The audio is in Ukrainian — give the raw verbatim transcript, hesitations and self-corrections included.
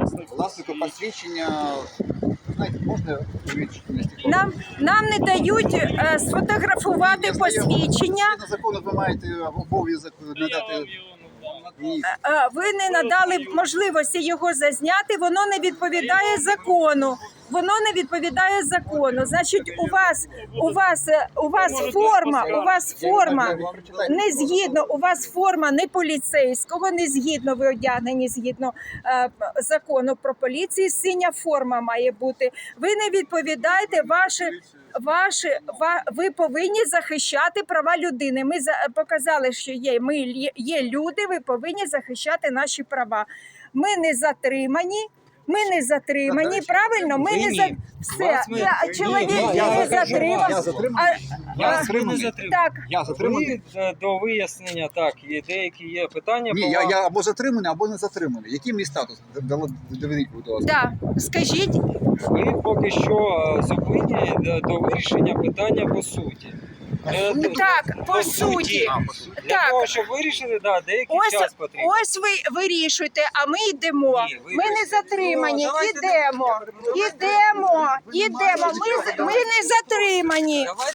Власнику посвідчення, знаєте, можна увеличити? Нам, нам не дають е, сфотографувати посвідчення. На закону ви маєте обов'язок надати. Ні. Е, Ви не надали можливості його зазняти, воно не відповідає закону. Воно не відповідає закону. Значить, у вас у вас у вас форма, у вас форма не згідно, у вас форма не поліцейського, не згідно ви одягнені згідно е, закону про поліцію. Синя форма має бути. Ви не відповідаєте ваші. Ваші ва, ви повинні захищати права людини. Ми за, показали, що є. Ми є люди. Ви повинні захищати наші права. Ми не затримані. Ми не затримані. Правильно, ми не за все. Я чоловік не затримав. Я затриманий. Я Я не затриманий. затримав. Так, Я затриманий. Ви, е, до вияснення, так, є деякі є питання. Ні, по я, вам. я або затриманий, або не затриманий. Який мій статус? Доведіть, будь ласка. да. Скажіть, Ви поки що е, зупинені до, до вирішення питання по суті. Е, до- так, по суті. А, по суті. Для Так. того, щоб вирішити, да, деякий Ось, час потрібен. ось ви вирішуєте, а ми йдемо. Ні, ви Ми не вирішуєте. затримані. Ну, давайте Ідемо. Ідемо. Ідемо. Ми, з- ми не затримані. Давайте